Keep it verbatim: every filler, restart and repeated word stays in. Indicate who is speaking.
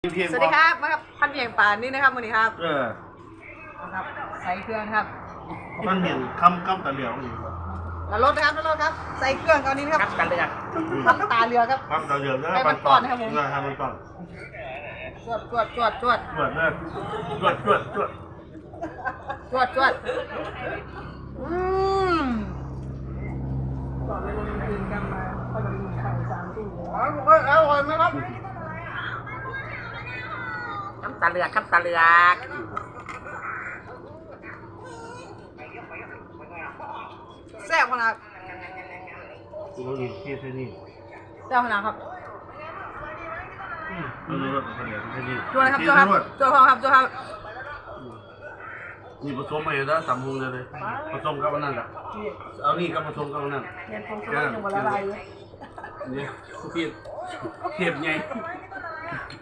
Speaker 1: สวัสดีครับมาครับพันเพียงป่านนี่นะครับวันนี้ครับ
Speaker 2: เออ
Speaker 1: นะครับใส่เครื่องครับ
Speaker 2: มันเห็นคำคำตะเหลียวอยู่ครับ
Speaker 1: แล้วรถนะครับแล้วรถครับใส่เครื่องตอนนี้นะครับ
Speaker 3: ตาเรือ
Speaker 1: ครับตาเรือครับ
Speaker 2: คำตะเหลียวนะ
Speaker 1: ไปมันก่อนนะครับผม
Speaker 2: นะให้มันก่อน
Speaker 1: จวดจวดจวดจวด
Speaker 2: จวดเลยจวดจวดจวด
Speaker 1: จวดจวดอืมก่อนไปลงคืนกันมาก็จะมีไข่สามตู้อร่อยอร่อยไหมครับ
Speaker 3: น้ำตาเรือครับตาเรือ
Speaker 1: แซ่บขนาด
Speaker 2: เราอีกที่ที่นี่
Speaker 1: แซ่บขนาดครับ
Speaker 2: เราดูรถตะเหลียวที่นี่
Speaker 1: จวดครับจวดครับจวดครับจวดครับ
Speaker 2: นี่ผสมไปแล้วสามมุงเลยผสมกับอันนั้นแหละเอานี่กับผสมกับอันนั้น
Speaker 1: เรียนผงชูรสยังวันละลายเลย
Speaker 2: นี่เทียบเทียบไง